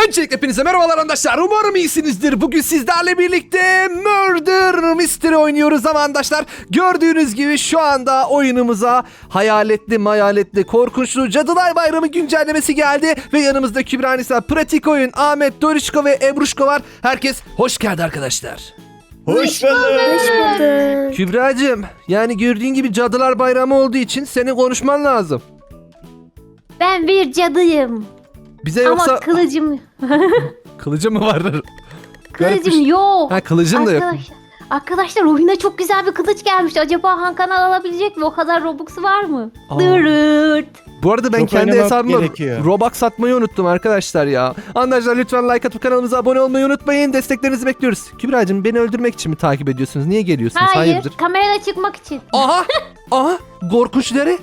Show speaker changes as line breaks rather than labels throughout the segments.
Öncelikle hepinize merhabalar arkadaşlar. Umarım iyisinizdir. Bugün sizlerle birlikte Murder Mystery oynuyoruz ama arkadaşlar gördüğünüz gibi şu anda oyunumuza hayaletli, korkunçlu Cadılar Bayramı güncellemesi geldi. Ve yanımızda Kübra Nisa, Pratik Oyun, Ahmet, Dorişko ve Ebruşko var. Herkes hoş geldi arkadaşlar.
Hoş bulduk.
Kübra'cığım, yani gördüğün gibi Cadılar Bayramı olduğu için senin konuşman lazım.
Ben bir cadıyım.
Bize yoksa...
Ama kılıcım
Kılıcı mı var?
kılıcım yok.
Ha, kılıcın da yok.
Arkadaşlar oyuna çok güzel bir kılıç gelmiş. Acaba Hakan'a alabilecek mi? O kadar Robux'u var mı?
Aa.
Dırırt.
Bu arada ben
Çok
kendi
oynamak
hesabıma
gerekiyor.
Robux satmayı unuttum arkadaşlar ya. Arkadaşlar lütfen like atıp kanalımıza abone olmayı unutmayın. Desteklerinizi bekliyoruz. Kübra'cığım, beni öldürmek için mi takip ediyorsunuz? Niye geliyorsunuz?
Hayır.
Hayırdır?
Kamerada çıkmak için.
Aha! Aha! Korkunçları.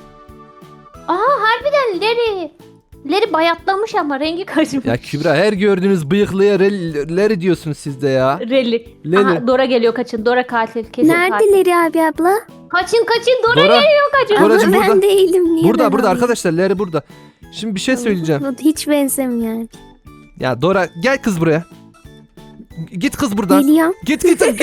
Harbiden Leri bayatlamış ama rengi kaçmış.
Ya Kübra, her gördüğünüz bıyıklıya leri diyorsunuz siz de ya.
Reli.
Leri.
Aha, Dora geliyor, kaçın. Dora katil. Kesin katil.
Neredeleri abi abla?
Kaçın Dora
Dora.
geliyor, kaçın.
Doracığım
Abla
burada.
ben değilim. Niye
Burada
ben alayım?
arkadaşlar, leri burada. Şimdi bir şey söyleyeceğim.
Hiç benzemiyor.
Ya Dora, gel kız buraya. Git kız buradan.
Geliyorum.
Git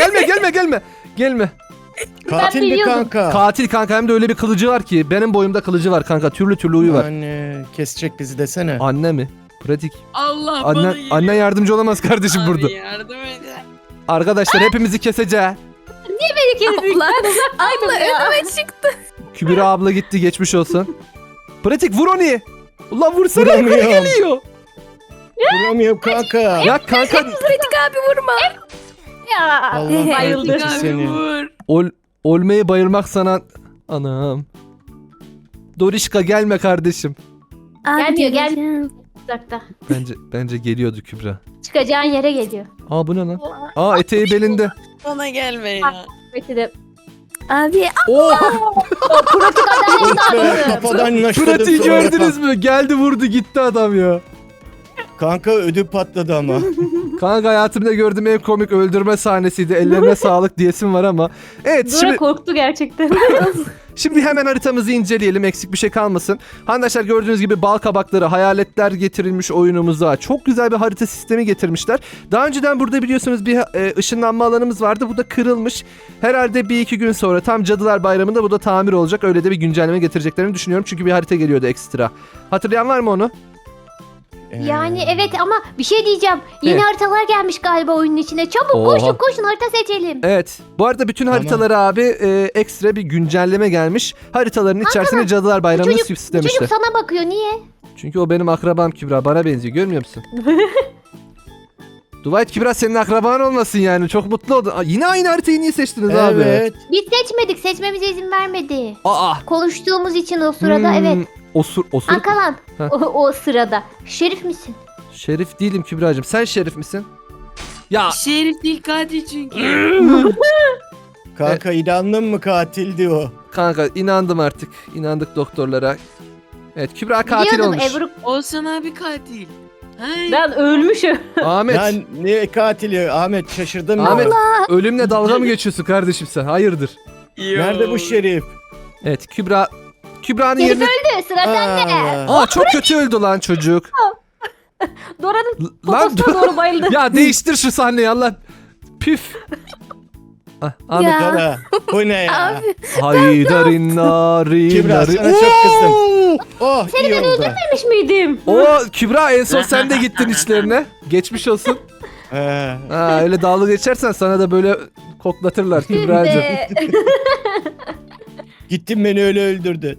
gelme.
Katil
Ben
mi
biliyordum.
kanka?
Katil kanka, hem de öyle bir kılıcı var ki benim boyumda kılıcı var kanka, türlü uyu var.
Anne kesecek bizi desene.
Anne mi? Pratik.
Allah bana
Annen,
geliyor.
annen yardımcı olamaz kardeşim
Abi
burada.
yardım edin.
Arkadaşlar hepimizi keseceğiz.
Abla, abla önüme çıktı.
Kübra abla gitti, geçmiş olsun. Pratik, vur onu. Ulan vursana, yukarı
Vuramıyorum.
geliyor.
Vuramıyorum kanka.
Ya kanka
Pratik abi vurma.
Ya.
Allah
Bayıldı.
kahretsin
Abi
seni.
vur.
olmayı bayılmak sana. Anam. Dorişka, gelme kardeşim.
Abi
Gelmiyor, gel.
geleceğim.
Uzakta.
Bence geliyordu Kübra.
Çıkacağın yere geliyor.
Aa, bu ne lan? Aa, eteği belinde.
Bana gelme ya.
Peki de.
Abi
Oo,
Pratik adam
Oh be,
sağladı.
kafadan naşladım
pratiği
sonra.
gördünüz mü? Geldi, vurdu, gitti adam ya.
Kanka ödü patladı ama.
Kanka, hayatımda gördüğüm en komik öldürme sahnesiydi. Ellerine sağlık diyesim var ama. Evet,
Dora korktu gerçekten.
Şimdi hemen haritamızı inceleyelim, eksik bir şey kalmasın. Arkadaşlar gördüğünüz gibi bal kabakları, hayaletler getirilmiş oyunumuza. Çok güzel bir harita sistemi getirmişler. Daha önceden burada biliyorsunuz bir ışınlanma alanımız vardı. Bu da kırılmış. Herhalde bir iki gün sonra tam Cadılar Bayramı'nda bu da tamir olacak. Öyle de bir güncelleme getireceklerini düşünüyorum. Çünkü bir harita geliyordu ekstra. Hatırlayan var mı onu?
Yani evet ama bir şey diyeceğim. Yeni
Ne?
haritalar gelmiş galiba oyunun içine. Çabuk
Oha.
koşun harita seçelim.
Evet. Bu arada bütün
Tamam.
haritalara abi ekstra bir güncelleme gelmiş. Haritaların içerisine Cadılar Bayramı'nı
Bu
süslemişler.
çocuk sana bakıyor, niye?
Çünkü o benim akrabam Kübra. Bana benziyor. Görmüyor musun? Dua et Kübra senin akraban olmasın yani. Çok mutlu oldum. Aa, yine aynı haritayı niye seçtiniz abi?
Evet.
Biz seçmedik, seçmemize izin vermedi.
Aa.
Konuştuğumuz için o sırada evet.
Osur.
Ankalan
Heh.
o sırada. Şerif misin?
Şerif değilim Kübra'cığım. Sen şerif misin? Ya
Şerif değil katil çünkü.
Kanka inandın mı katildi o.
kanka, inandım artık. İnandık doktorlara. Evet, Kübra katil
Biliyordum
olmuş.
Ebru.
Olsan abi katil. Hayır.
Ben ölmüşüm.
Ahmet.
Ya ne katili Ahmet şaşırdım
Ahmet.
ya.
Ölümle dalga mı geçiyorsun kardeşim sen? Hayırdır?
Nerede bu şerif?
Evet, Kübra'nın
Şerif
yerine...
öldü, sıra sende.
Aa, çok kötü öldü lan çocuk.
Dora'nın
Lan
poposuna doğru bayıldı.
ya değiştir şu sahneyi Allah. Püf. Ah, Ahmet.
Ya.
Dora, bu ne ya?
Abi
Haydarin narin
Kübra,
narin.
sana çok kızdım. Oh iyi oldu.
Ölmüş müydüm?
Oo, Kübra en son sen de gittin işlerine. Geçmiş olsun.
He.
Ha, öyle dalga geçersen sana da böyle koklatırlar Kübra'cığım.
De.
Gittin beni öyle öldürdün.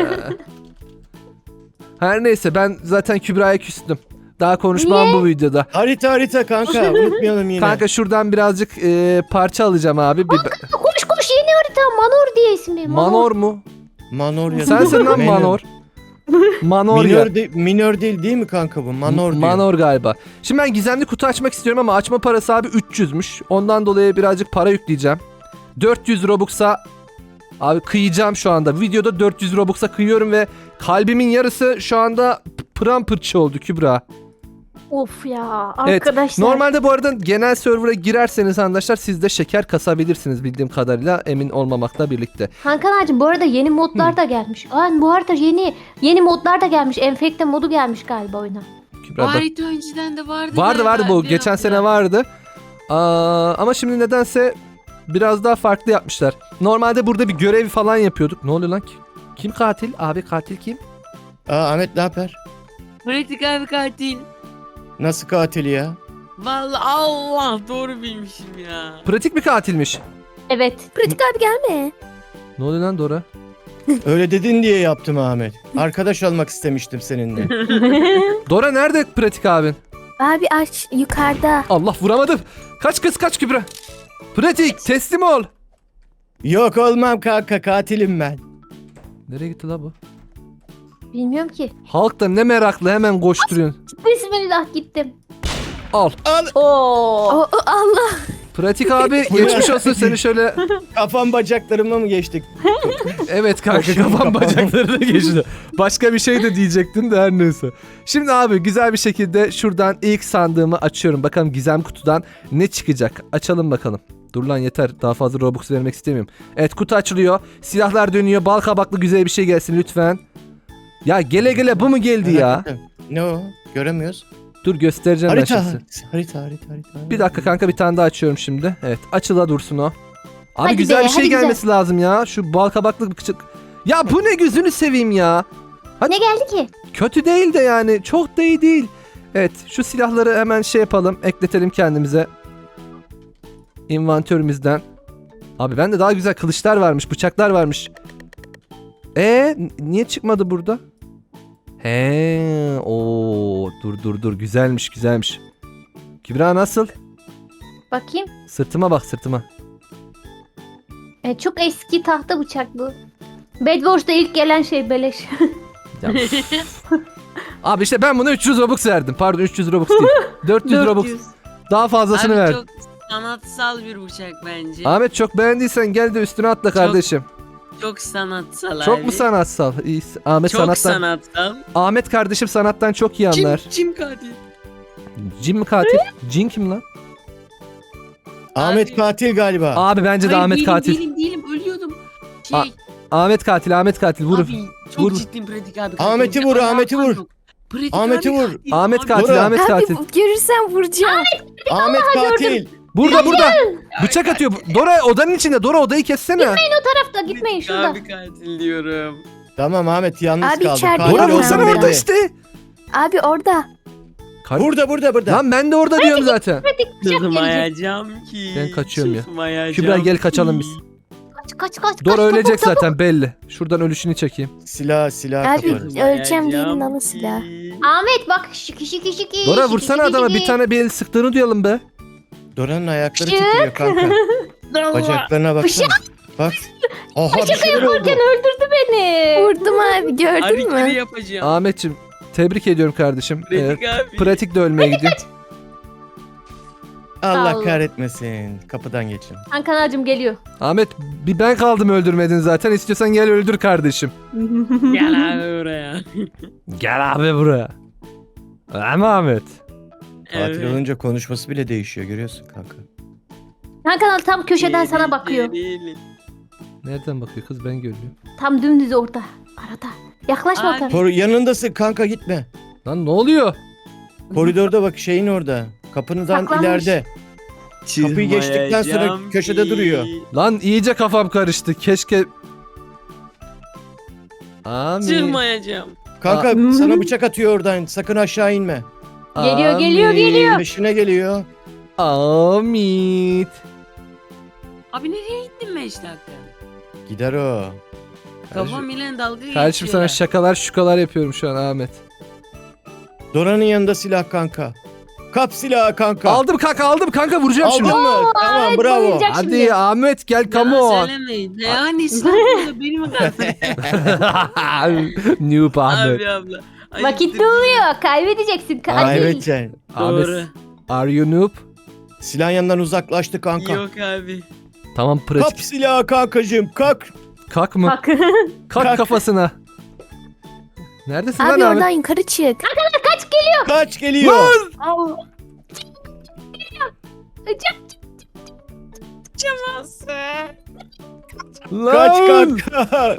Her neyse, ben zaten Kübra'ya küstüm. Daha konuşmam bu videoda.
Harita kanka unutmayalım yine.
Kanka şuradan birazcık parça alacağım abi.
Koş yeni harita. Manor diye ismi.
Manor mu?
Manor ya.
Sensin lan Manor. Manor ya.
Minör değil mi kanka bu? Manor diyor.
Manor galiba. Şimdi ben gizemli kutu açmak istiyorum ama açma parası abi 300'müş. Ondan dolayı birazcık para yükleyeceğim. 400 Robux'a abi kıyacağım şu anda. Videoda 400 Robux'a kıyıyorum ve kalbimin yarısı şu anda pırampırçı oldu Kübra.
Of ya
Evet,
arkadaşlar.
normalde bu arada genel server'a girerseniz arkadaşlar siz de şeker kasabilirsiniz bildiğim kadarıyla, emin olmamakla birlikte.
Hakan ağacım bu arada yeni modlar da gelmiş. Bu arada yeni modlar da gelmiş. Enfekte modu gelmiş galiba oyuna.
Kübra
Bu
bak.
harita önceden de vardı.
Vardı
galiba,
bu.
değil
Geçen
mi?
sene vardı. Ama şimdi nedense biraz daha farklı yapmışlar. Normalde burada bir görev falan yapıyorduk. Ne oluyor lan ki? Kim katil? Abi katil kim?
Ahmet ne haber?
Pratik abi katil.
Nasıl katili ya?
Vallahi Allah doğru bilmişim ya.
Pratik mi katilmiş?
Evet.
Pratik abi gelme.
Ne oluyor lan Dora?
Öyle dedin diye yaptım Ahmet. Arkadaş olmak istemiştim seninle.
Dora nerede pratik abin?
Abi aç yukarıda.
Allah vuramadım. Kaç kız kaç Kübra. Pratik teslim ol.
Yok olmam kanka, katilim ben.
Nereye gitti la bu?
Bilmiyorum ki.
Halk da ne meraklı hemen koşturuyorsun.
Bismillah gittim.
Al.
Al,
Oo.
Allah.
Pratik abi
Bu ne?
geçmiş olsun seni şöyle.
kafam bacaklarıma mı geçtik?
Evet kanka
Başım
kafam
kapalı.
bacaklarına geçti. Başka bir şey de diyecektin de her neyse. Şimdi abi güzel bir şekilde şuradan ilk sandığımı açıyorum. Bakalım gizem kutudan ne çıkacak. Açalım bakalım. Dur lan yeter. Daha fazla Robux vermek istemiyorum. Evet kutu açılıyor. Silahlar dönüyor. Bal kabaklı güzel bir şey gelsin lütfen. Ya gele gele bu mu geldi ya?
Ne o? Göremiyoruz.
Dur göstereceğim ben
Harita.
şimdi.
Harita.
Bir dakika kanka bir tane daha açıyorum şimdi. Evet açıla dursun o. Abi
Hadi
güzel
be,
bir şey
hadi
gelmesi lazım ya. Şu bal kabaklı bir küçük. Ya bu ne gözünü seveyim ya.
Ne geldi ki?
Kötü değil de yani çok da iyi değil. Evet şu silahları hemen şey yapalım. Ekletelim kendimize. İnvantörümüzden. Abi bende daha güzel kılıçlar varmış. Bıçaklar varmış. Niye çıkmadı burada? Dur güzelmiş. Kübra nasıl?
Bakayım.
Sırtıma bak sırtıma.
Çok eski tahta bıçak bu. Bed Wars'ta ilk gelen şey beleş.
Ya, abi işte ben buna 300 Robux verdim. Pardon 300 Robux değil. 400 Robux.
400.
Daha fazlasını
Abi
verdim.
çok sanatsal bir bıçak bence.
Ahmet çok beğendiysen gel de üstüne atla kardeşim.
Çok sanatsal
Çok
abi.
mu sanatsal? İyi. Ahmet
Çok
sanattan.
sanatsal.
Ahmet kardeşim sanattan çok iyi anlar.
Kim katil?
Cin mi katil? Cin kim lan?
Ahmet
Abi.
katil galiba.
Abi bence de
Hayır,
Ahmet
değilim,
katil.
Değilim ölüyordum.
A- Ahmet katil vur.
Abi çok
Vur.
ciddiyim pratik abi.
Ahmet'i vur, Ahmet'i vur.
Pratik
Ahmet'i
abi
vur.
katil.
Ahmet
Abi,
katil
Dora.
Ahmet
Abi
katil.
görürsen vuracağım.
Ahmet katil.
Burada. Bıçak atıyor. Dora odanın içinde. Dora odayı kessene.
Tarafta gitmeyin
Pratik
şurada.
Abi katil diyorum.
Tamam Ahmet yalnız
Abi
kaldı.
içeride
Katil
Dora
Aynen,
vursana
olduğunu
orada
belli.
işte.
Abi orada.
Burada.
Lan ben de orada diyorum zaten.
Pratik bıçak gelecek.
Çıkmayacağım ki.
Ben kaçıyorum ya.
Çıkmayacağım
Kübra gel
ki.
kaçalım biz.
Kaç.
Dora
çabuk,
ölecek
çabuk.
zaten belli. Şuradan ölüşünü çekeyim.
Silah
Abi,
kaparız.
öleceğim diyelim ama silah.
Ahmet bak şiki.
Dora vursana adama bir tane bir el sıktığını duyalım be.
Dora'nın ayakları
Şık.
titriyor kanka. Bacaklarına baksana. Bak. Oha bir şeyler oldu.
Öldürdü beni.
Vurdum abi gördün
Hareketi
mü?
yapacağım.
Ahmetçim tebrik ediyorum kardeşim.
Pratik abi.
Pratik de ölmeye gidiyor.
Allah
Allah.
kahretmesin. Kapıdan geçin.
Ankanacığım geliyor.
Ahmet bir ben kaldım öldürmedin zaten. İstiyorsan gel öldür kardeşim.
Gel abi oraya.
Gel abi buraya. Ama Ahmet.
Katil olunca konuşması bile değişiyor, görüyorsun kanka.
Hakan tam köşeden sana bakıyor.
Nereden bakıyor kız ben görüyorum.
Tam dümdüz orada. Arada. Yaklaşma
Abi.
tabii.
Yanındasın kanka, gitme.
Lan ne oluyor?
Koridorda bak, şeyin orada. Kapınızdan
Saklanmış.
ileride. Kapıyı geçtikten sonra köşede duruyor.
Lan iyice kafam karıştı. Keşke... Amin.
Çırmayacağım.
Kanka sana bıçak atıyor oradan. Sakın aşağı inme.
Geliyor.
Peşine geliyor.
Amit.
Abi nereye gittin 5 dakika?
Gider o.
Kafam ile dalga geçiyor.
Kardeşim sana şakalar şukalar yapıyorum şu an Ahmet.
Dora'nın yanında silah kanka. Kap silahı kanka.
Aldım kanka vuracağım
Aldın
şimdi.
mı? Tamam, bravo.
bayılacak.
Hadi
şimdi.
Ahmet gel come
Yalan
on.
söylemeyin. Yani silahla benim katil.
Noob Ahmet.
Abi abla. Ay,
Vakit
dur.
doluyor. Kaybedeceksin.
Kaybedeceksin.
Ahmet.
Doğru.
Are you noob?
Silahın yanından uzaklaştı kanka.
Yok abi.
Tamam
Kap
pratik.
silahı kankacığım, kalk.
Kalk mı?
Bak.
Kalk
Kalk.
kafasına. Neredesin
Abi
lan Ahmet?
oradan yukarı çık.
Kaç geliyor.
Allah.
Kaç
Lan!
kanka.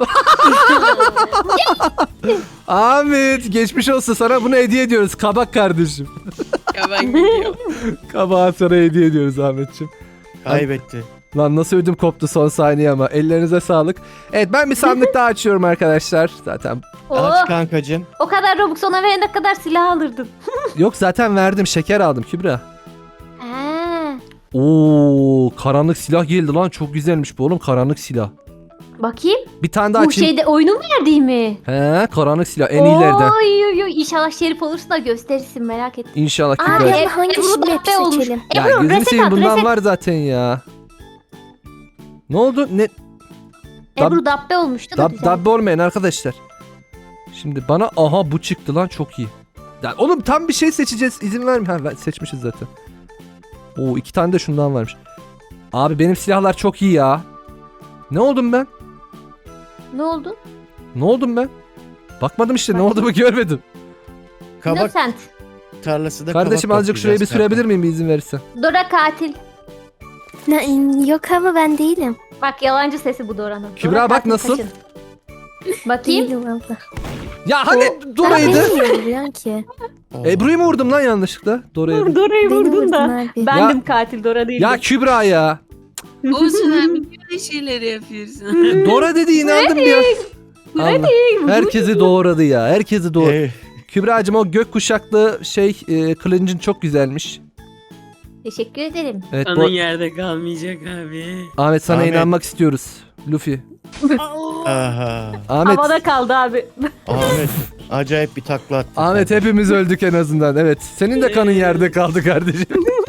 Ahmet geçmiş olsun, sana bunu hediye ediyoruz. Kabak kardeşim.
Ya ben gidiyorum.
Kabağı sana hediye ediyoruz Ahmetciğim.
Kaybetti.
Lan nasıl ödüm koptu son saniye ama. Ellerinize sağlık. Evet, ben bir sandık daha açıyorum arkadaşlar. Zaten
Aç
Oh,
kankacığım.
o kadar Robux ona verene kadar silah alırdın.
yok, zaten verdim, şeker aldım Kübra.
Ha.
Oo, karanlık silah geldi lan, çok güzelmiş bu oğlum, karanlık silah.
Bakayım.
Bir tane daha
Bu
açayım.
şeyde oyunun verdiği mi?
He, karanlık silah en iyilerden.
Oy oy oy. İnşallah şerif olursun da gösterirsin, merak ettim.
İnşallah
Abi
Kübra.
Ebru
ama hangisini
dabbe
hep
olmuş.
seçelim?
Ya
Ebru
gözünü
reset
seveyim,
at,
bundan
reset.
var zaten ya. Ne oldu? Ne?
Ebru dabbe olmuştu da güzel.
Dabbe olmayın arkadaşlar. Şimdi bana aha bu çıktı lan, çok iyi. Ya oğlum tam bir şey seçeceğiz, izin verme. Ha, seçmişiz zaten. Oo, 2 tane de şundan varmış. Abi benim silahlar çok iyi ya. Ne oldum ben?
Ne oldu?
Ne oldum ben? Bakmadım işte, ne olduğumu görmedim.
Kabak
Innocent.
tarlası da
Kardeşim
kabak
azıcık şurayı bir
toplayacağız
sürebilir miyim, bir izin verirsen?
Dora katil.
Yok ama ben değilim.
Bak yalancı sesi bu Dora'nın.
Kübra,
Dora
bak
katil,
nasıl?
kaçın. Bakayım.
Değilim abla.
Ya hani
Ben
Dora'ydı.
niye vuruyorsun ki?
kanka.
Ebru'yu mu vurdum lan yanlışlıkla? Dora'yı.
Dora'yı
Beni
vurdun
vurdun
da.
abi.
Bendim katil, Dora değildim.
Ya Kübra ya.
Olsun abi böyle şeyleri yapıyorsun.
Dora dedi, inandım ya. Allah. Herkesi doğradı ya. Herkesi doğradı. Kübra'cığım, o gök kuşaklı kılıncın çok güzelmiş.
Teşekkür ederim.
Evet,
Kanın yerde kalmayacak abi.
Ahmet sana
Ahmet.
inanmak istiyoruz. Luffy.
Allah.
Aha.
Ahmet.
Havada kaldı abi.
Ahmet acayip bir takla attı.
Ahmet hepimiz öldük en azından. Evet. Senin de kanın yerde kaldı kardeşim.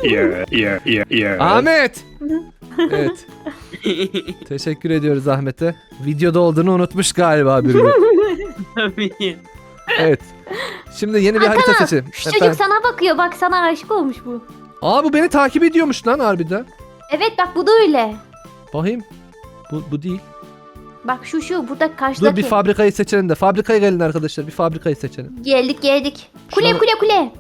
Ahmet. Evet. Teşekkür ediyoruz Ahmet'e. Videoda olduğunu unutmuş galiba biri.
Tabii.
Evet. Şimdi yeni bir harita seçelim.
Şu çocuk sana bakıyor, bak sana aşık olmuş bu.
Aa, bu beni takip ediyormuş lan harbiden.
Evet bak, bu da öyle.
Bakayım. Bu değil.
Bak şu burada
Dur
karşıdaki.
bir fabrikayı seçelim de. Fabrikaya gelin arkadaşlar. Bir fabrikayı seçelim.
Geldik. Kule
Şuna-
kule kule.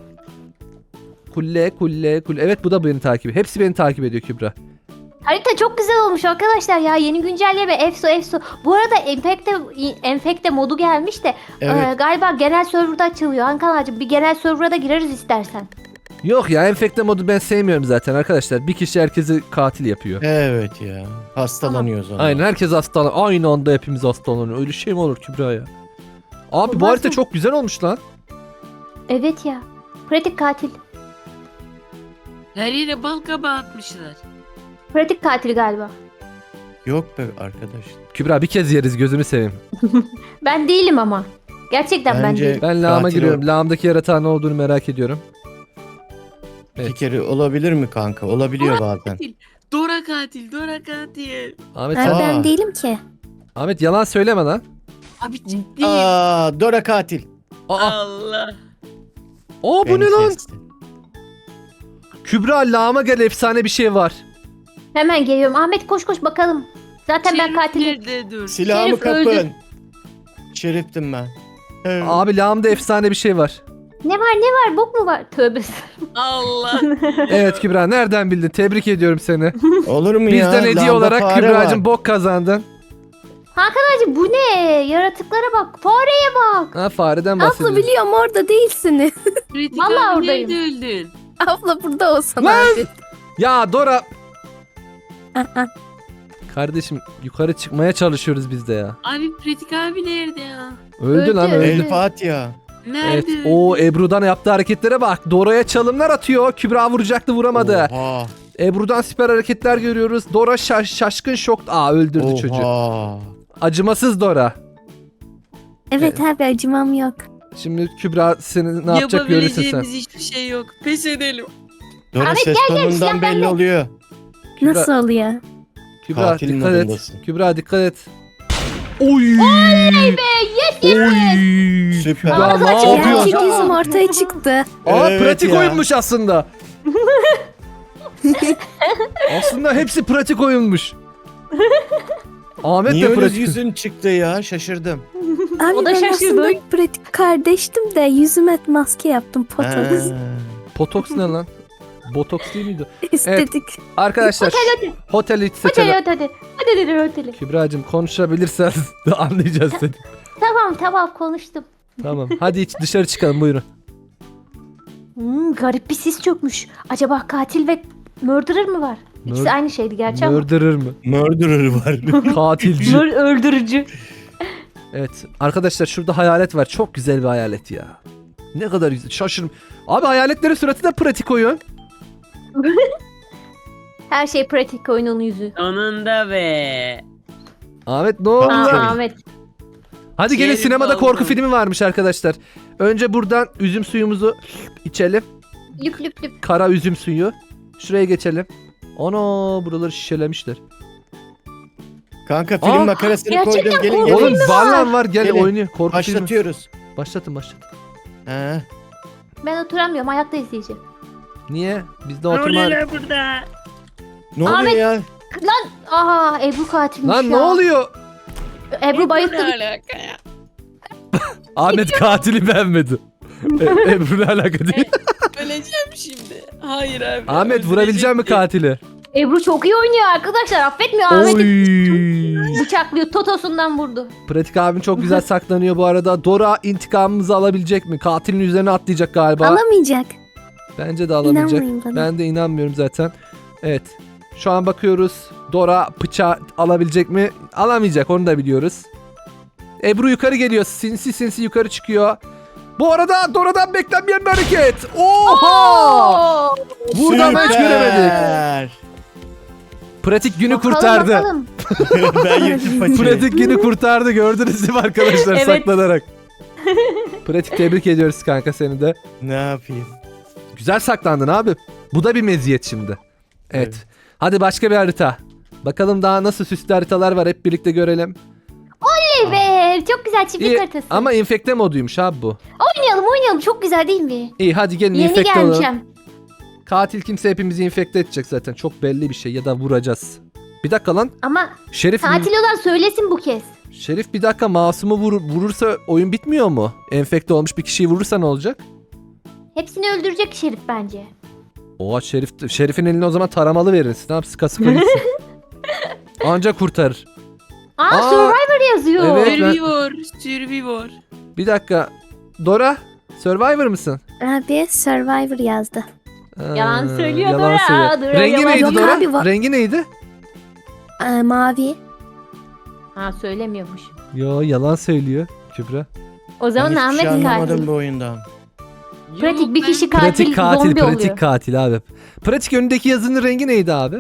Kulle. Evet, bu da beni takip ediyor. Hepsi beni takip ediyor Kübra.
Harita çok güzel olmuş arkadaşlar ya, yeni güncelleme efso. Bu arada enfekte modu gelmiş de
Evet.
galiba genel serverda açılıyor. Ankara'cığım bir genel server'a da gireriz istersen.
Yok ya, enfekte modu ben sevmiyorum zaten arkadaşlar. Bir kişi herkesi katil yapıyor.
Evet ya. Hastalanıyoruz ona.
Aynen, herkes hastalanıyor. Aynı anda hepimiz hastalanıyor. Öyle şey mi olur Kübra ya? Abi bu
Olmaz
harita
mı?
çok güzel olmuş lan.
Evet ya. Pratik katil.
Her yere bal kabağı atmışlar.
Pratik katil galiba.
Yok be arkadaş.
Kübra bir kez yeriz, gözünü seveyim.
Ben değilim ama. Gerçekten ben
Bence-
değilim.
Ben lağıma
Katil
giriyorum.
o.
Lağımdaki yaratağın ne olduğunu merak ediyorum. Evet.
İki kere olabilir mi kanka? Olabiliyor bazen.
Katil. Dora katil.
Ahmet,
Abi
Aa.
ben değilim ki.
Ahmet yalan söyleme lan.
Abi ciddi.
Aa, Dora katil.
Aa,
Allah.
bu
Beni
ne lan?
kesti.
Kübra, lağıma gel, efsane bir şey var.
Hemen geliyorum. Ahmet koş bakalım. Zaten ben
Şerif
katilim.
nerede dur?
Silahımı
Şerif
kapın.
öldü.
Şeriftim ben. Evet.
Abi lağımda efsane bir şey var.
Ne var? Bok mu var? Tövbe.
Allah.
Evet Kübra, nereden bildin? Tebrik ediyorum seni.
Olur mu ya?
Bizden hediye
Lambda
olarak
fare
Kübra'cığım
var.
bok kazandın.
Hakan bu ne? Yaratıklara bak. Fareye bak.
Ha, fareden
Abla
bahsediyorum.
biliyorum orada değilsiniz.
Pratik
Vallahi
abi
oradayım.
nerede öldün?
Abla burada olsan
Lan!
abi.
Ya Dora.
Aa,
Kardeşim yukarı çıkmaya çalışıyoruz biz de ya.
Abi Pratik abi nerede ya?
Öldü lan,
Öldü.
öldü.
El Fatiha.
Nerede
Evet,
öldü?
o Ebru'dan yaptığı hareketlere bak. Dora'ya çalımlar atıyor. Kübra vuracaktı, vuramadı.
Oha.
Ebru'dan süper hareketler görüyoruz. Dora şaşkın şok. Öldürdü çocuğu.
Oha.
Acımasız Dora.
Evet abi acımam yok.
Şimdi Kübra seni ne yapacak görürsün sen.
Yapabileceğimiz hiçbir şey yok. Pes edelim.
Dora
Ahmet,
ses
silah
tonundan belli
bende.
oluyor.
Kübra-
Nasıl oluyor?
Kübra
Katil
dikkat et.
modundasın.
Kübra dikkat et. Oy!
Yes.
Oy!
Süper.
Kübra ne
Ağzı açık ya.
yapıyorsun?
Gerçek yüzüm ortaya çıktı.
Evet
Pratik
ya.
oyunmuş aslında. Aslında hepsi pratik oyunmuş. Ahmet
Niye
de
öyle
pratik.
yüzün çıktı ya? Şaşırdım.
Abi
O da
ben
şaşırdı.
aslında pratik kardeştim de yüzüme maske yaptım potoks.
Ha.
Botoks ne lan? Botoks değil miydi?
İstedik.
Arkadaşlar
Hadi.
oteli seçelim.
Hadi. Röteli.
Kübra'cığım konuşabilirsen de anlayacağız seni.
Tamam konuştum.
Tamam. Hadi hiç dışarı çıkalım buyurun.
Garip bir sis çökmüş. Acaba katil ve murderer mı var? İkisi
Mur-
aynı şeydi gerçi ama.
Murderer mı?
Murderer var.
Katilci.
Öldürücü.
Evet. Arkadaşlar şurada hayalet var. Çok güzel bir hayalet ya. Ne kadar güzel. Şaşırım. Abi hayaletlerin suratı da pratik oyun.
Her şey pratik oyunun yüzü.
Sonunda be.
Ahmet ne oldu?
Aa,
lan?
Ahmet.
Hadi gelin
Şerif
sinemada
oldum.
korku filmi varmış arkadaşlar. Önce buradan üzüm suyumuzu içelim.
Lüp lüp lüp.
Kara üzüm suyu. Şuraya geçelim. Ana buraları şişelemişler.
Kanka film
Aa,
makarasını
gerçekten
koydum. Gelin
korku
gelin.
Oğlum var var gel
Gelin.
oynuyor. Korku filmi.
Başlatıyoruz.
Başlatın.
Ha.
Ben oturamıyorum. Ayakta izleyeceğim.
Niye? Bizde
Ne
oturma.
oluyor burada?
Ne oluyor
Ahmet.
ya?
Aha Ebru katilmiş
Lan
ya.
ne oluyor?
Ebru bayılttı.
Ne alaka ya?
Ahmet katili beğenmedi. Ebru ne alaka değil.
Öleceğim şimdi. Hayır abi.
Ahmet vurabilecek mi katili?
Ebru çok iyi oynuyor arkadaşlar. Affetmiyor Ahmet'i.
Oy.
Bıçaklıyor. Totosundan vurdu.
Pratik abim çok güzel saklanıyor bu arada. Dora intikamımızı alabilecek mi? Katilin üzerine atlayacak galiba.
Alamayacak.
Bence de alamayacak.
İnanmayın bana.
Ben de inanmıyorum zaten. Evet. Şu an bakıyoruz. Dora bıçağı alabilecek mi? Alamayacak onu da biliyoruz. Ebru yukarı geliyor. Sinsi yukarı çıkıyor. Bu arada Dora'dan beklenmeyen bir hareket. Oha! Buradan hiç göremedik.
Süper.
Pratik günü
Bakalım,
kurtardı.
bakalım.
Ben yırtıp paçayı.
Pratik günü kurtardı. Gördünüz değil mi arkadaşlar
Evet.
saklanarak. Pratik tebrik ediyoruz kanka seni de.
Ne yapayım?
Güzel saklandın abi. Bu da bir meziyet şimdi. Evet.
Evet.
Hadi başka bir harita. Bakalım daha nasıl süslü haritalar var hep birlikte görelim.
Hey be, çok güzel çiftlik
İyi,
haritası.
ama infekte moduymuş abi bu.
Oynayalım. Çok güzel değil mi?
İyi hadi gelin
Yeni
infekte olalım.
gelmişim.
Katil kimse hepimizi infekte edecek zaten. Çok belli bir şey ya da vuracağız. Bir dakika lan.
Ama
Şerif
katil olan söylesin bu kez.
Şerif bir dakika masumu vurursa oyun bitmiyor mu? Enfekte olmuş bir kişiyi vurursa ne olacak?
Hepsini öldürecek Şerif bence.
Oha Şerif'in eline o zaman taramalı verirsin. Ne yapsın? Sıka gitsin. Anca kurtarır. Aa,
Survivor yazıyor.
evet.
Survivor.
Bir dakika. Dora Survivor mısın?
Abi Survivor yazdı.
Yalan söylüyor
yalan
Dora.
söylüyor.
Dora
Rengi
yalan
neydi
Yok
Dora?
abi,
Rengi neydi?
Mavi.
Ha söylemiyormuş.
Yo yalan söylüyor Kübra.
O zaman
Ben hiçbir
Ahmet
şey anlamadım
katil.
bu oyundan.
Pratik bir kişi
Pratik katil,
zombi
pratik
oluyor.
katil abi. Pratik önündeki yazının rengi neydi abi?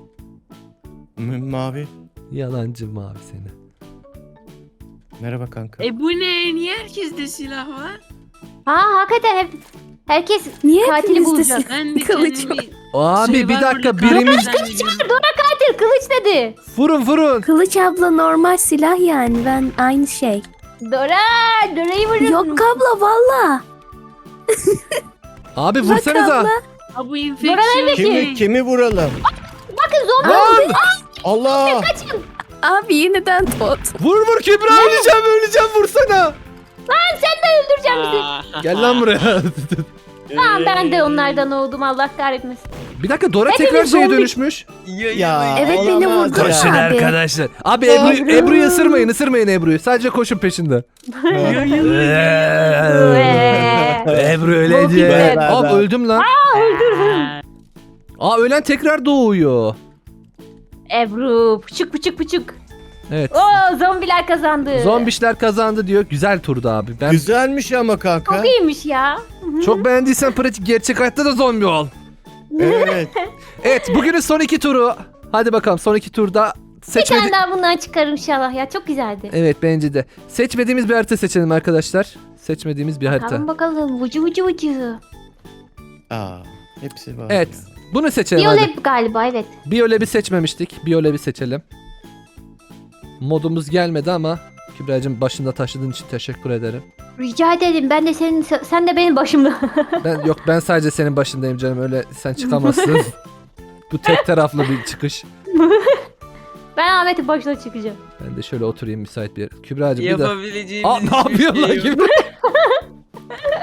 Mavi.
Yalancı mavi seni.
Merhaba kanka.
Bu ne? Niye herkeste silah var?
Ha hakikaten herkes
Niye
Katili
hepinizde
bulacağız.
silah-
Ben de
Kılıç
kendimi...
Abi bir
Survivor'da
dakika
katil
birimiz...
zannediyorum.
katil kılıç dedi.
Vurun.
Kılıç abla normal silah yani ben aynı şey.
Dora'yı vuruyorsun.
Yok abla valla.
Abi
Bak
vursanıza.
abla.
Ha bu infeksiyon.
Kimi vuralım?
Bakın zombi
Lan!
Allah!
Abi yeniden tot.
Vur Kübra öleceğim vursana.
öldüreceğim bizi.
Gel lan buraya.
Tamam ben de onlardan oldum Allah kahretmesin.
Bir dakika Dora
Hepimiz
tekrar şeye
zombi.
dönüşmüş.
Ya
Evet, beni
olamaz
vurdu.
ya.
Koşun
Abi.
arkadaşlar. Abi Ebru'yu ısırmayın Ebru'yu. Sadece koşun peşinde. Ebru ölecek.
Be.
Abi öldüm lan. Aa ölen tekrar doğuyor.
Ebru pıçık.
Evet.
Oo zombiler kazandı.
Zombişler kazandı diyor. Güzel turdu abi. Ben
Güzelmiş ama kanka.
Çok iyiymiş ya.
çok beğendiysen pratik gerçek hayatta da zombi ol.
Evet.
Evet bugünün son 2 turu. Hadi bakalım son 2 turda
Bir
seçmedi.
tane daha bundan çıkarım inşallah ya. Çok güzeldi.
Evet bence de. Seçmediğimiz bir harita seçelim arkadaşlar. Seçmediğimiz bir harita.
Bakalım. Vucu.
Aa, hepsi var.
Evet.
ya.
Bunu seçelim hadi.
Biyolab galiba evet.
Biyolab'i seçmemiştik. Biyolab'i seçelim. Modumuz gelmedi ama Kübra'cığım başında taşıdığın için teşekkür ederim.
Rica ederim. Ben de sen de benim başımda.
Ben sadece senin başındayım canım. Öyle sen çıkamazsın. Bu tek taraflı bir çıkış.
Ben Ahmet'in başına çıkacağım.
Ben de şöyle oturayım müsait bir yer. Kübra'cığım bir de.
Yapabileceğimiz
Aa ne yapıyorsun lan
hiçbir şey yok.
Kübra?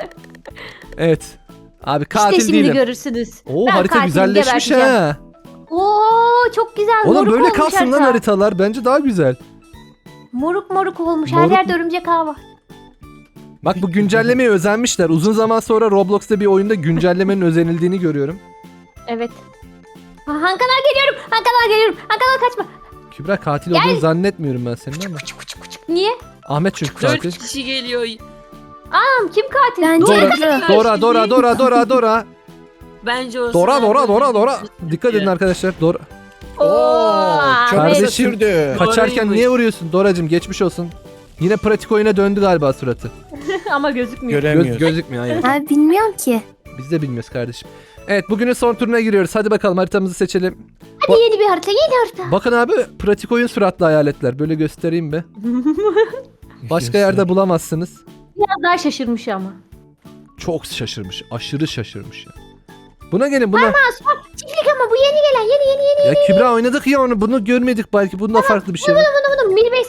Evet. Abi katil
işte şimdi
değilim.
görürsünüz.
Oo
Ben
harita
katilimi
güzelleşmiş
geberteceğim.
ha.
Oo çok güzel.
Oğlum
moruk
böyle
olmuş
kalsın lan
harita.
haritalar. Bence daha güzel.
Moruk moruk olmuş. Her
Moruk
yerde örümcek ağı var.
Bak bu güncellemeye özenmişler. Uzun zaman sonra Roblox'ta bir oyunda güncellemenin özenildiğini görüyorum.
Evet. Ha, Hankalar geliyorum. Hankalar geliyorum. Hankalar kaçma.
Kübra katil olduğunu zannetmiyorum ben senin ama.
Niye?
Ahmet çünkü
4
katil.
kişi geliyor.
Tamam kim katil?
Bence
Dora. Dora.
Bence o
Dora. Dikkat edin arkadaşlar. Dora.
Oo, çok
Ahmet.
kısa
Kardeşim,
sürdü.
Kaçarken
Dora'ymış.
niye vuruyorsun? Doracım geçmiş olsun. Yine pratik oyuna döndü galiba suratı.
Ama gözükmüyor.
Göremiyoruz.
Gözükmüyor hayır.
Abi bilmiyorum ki.
Biz de bilmiyoruz kardeşim. Evet bugünün son turuna giriyoruz. Hadi bakalım haritamızı seçelim.
Hadi yeni bir harita, yeni harita.
Bakın abi pratik oyun suratlı hayaletler. Böyle göstereyim be. Başka yerde bulamazsınız.
Biraz daha şaşırmış ama.
Çok şaşırmış. Aşırı şaşırmış ya. Buna gelin buna.
Çiftlik ama bu yeni gelen, yeni.
Ya Kübra oynadık ya onu. Bunu görmedik belki. Bunda farklı bir şey var.
Bunu Milbase.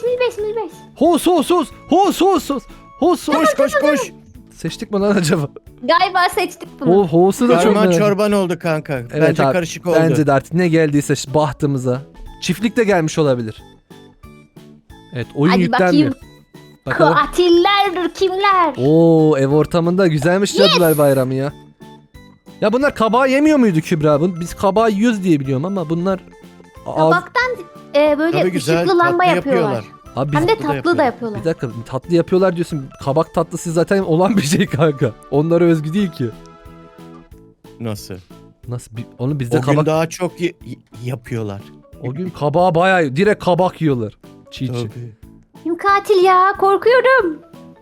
Hos.
Koş.
Seçtik mi lan acaba?
Galiba seçtik bunu.
Hos'u da çok
Karman
merak-
çorban oldu kanka.
Evet
Bence
abi,
karışık oldu.
Bence de artık ne geldiyse bahtımıza. Çiftlik de gelmiş olabilir. Evet oyun
Hadi
yüklenmiyor.
bakayım.
Bakalım.
Katiller kimler?
Oo ev ortamında güzelmiş Cadılar Bayramı ya. Ya bunlar kabağı yemiyor muydu Kübra? Biz kabağı yiyoruz diye biliyorum ama bunlar...
Tabaktan böyle
Tabii güzel,
ışıklı lamba
tatlı
yapıyorlar.
Abi biz...
Hem de
Tatlı da
tatlı da
yapıyorlar.
yapıyorlar.
Bir dakika tatlı yapıyorlar diyorsun. Kabak tatlısı zaten olan bir şey kanka. Onlara özgü değil ki.
Nasıl?
Nasıl? Onu bizde
O gün
kabak...
daha çok yapıyorlar.
O gün kabağı bayağı direkt kabak yiyorlar. Çiğ.
Tabii.
Kim katil ya? Korkuyorum.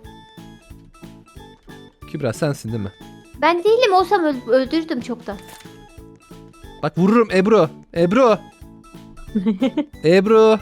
Kübra sensin değil mi?
Ben değilim, olsam öldürdüm çoktan.
Bak vururum Ebru. Ebru.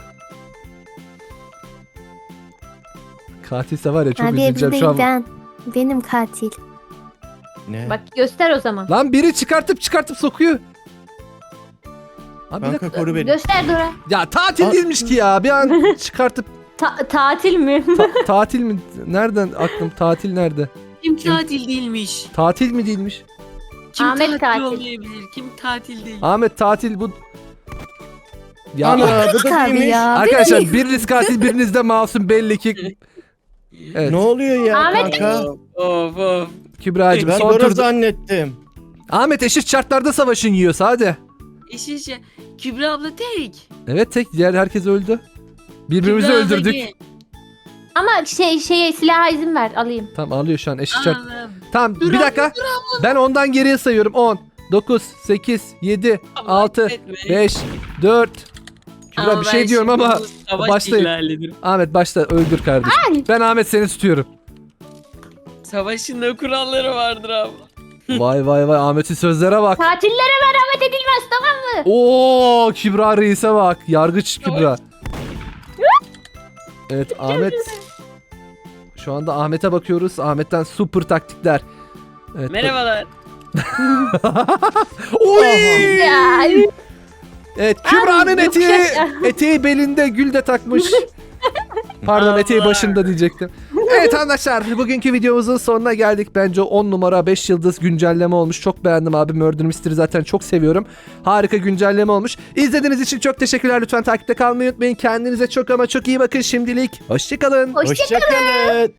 Katilse var ya çok
Abi
üzüleceğim
Ebru
şu
değil
an.
ben. Benim katil.
Ne?
Bak göster o zaman.
Lan biri çıkartıp sokuyor. Abi bir
Kanka
dakika.
koru beni.
Göster Dora.
Ya tatil
Aa.
değilmiş ki ya. Bir an çıkartıp
Tatil mi?
tatil mi? Nereden aklım tatil nerede?
Kim tatil değilmiş.
Tatil mi değilmiş?
Kim
Ahmet
tatil,
tatil.
olmayabilir? Kim tatil değil?
Ahmet tatil bu. Ya
Ana bu
Katil
da
abi
değilmiş.
ya.
arkadaşlar biriniz katil biriniz de masum belli ki. Evet.
Ne oluyor ya
Ahmet-
kanka?
Of.
Kübra'cığım
Ben
son
Dora
turda.
zannettim.
Ahmet eşit şartlarda savaşın yiyorsa hadi.
İşte Kübra abla tek.
Evet tek diğer herkes öldü. Birbirimizi
Kübra abla
öldürdük.
gel.
Ama şeye silaha izin ver, alayım.
Tamam ağlıyor şu an eşit şart.
Anam.
Tamam
Dur
bir
abi,
dakika. Ben ondan geriye sayıyorum. 10, 9, 8, 7,
Allah
6,
etme.
5, 4. Kübra
Ama
bir
ben
şey diyorum
şimdi
ama
bu savaş
başlayın.
ihlalidir.
Ahmet başla öldür kardeşim. Ben Ahmet seni tutuyorum.
Savaşın da kuralları vardır abla.
Vay Ahmet'in sözlere bak.
Katillere merhamet edilmez, tamam mı?
Oo Kübra reise bak. Yargıç Kübra. Evet Ahmet. Şu anda Ahmet'e bakıyoruz. Ahmet'ten super taktikler. Evet,
Merhabalar.
Oy!
Ya,
Evet Kübra'nın
Ay,
eteği,
yokuş aşağı.
eteği belinde gül de takmış. Pardon
Allah.
eteği başında diyecektim. Evet arkadaşlar bugünkü videomuzun sonuna geldik. Bence 10 numara 5 yıldız güncelleme olmuş. Çok beğendim abi. Murder Mystery zaten çok seviyorum. Harika güncelleme olmuş. İzlediğiniz için çok teşekkürler. Lütfen takipte kalmayı unutmayın. Kendinize çok ama çok iyi bakın şimdilik. Hoşçakalın.
Hoşça
Hoşçakalın.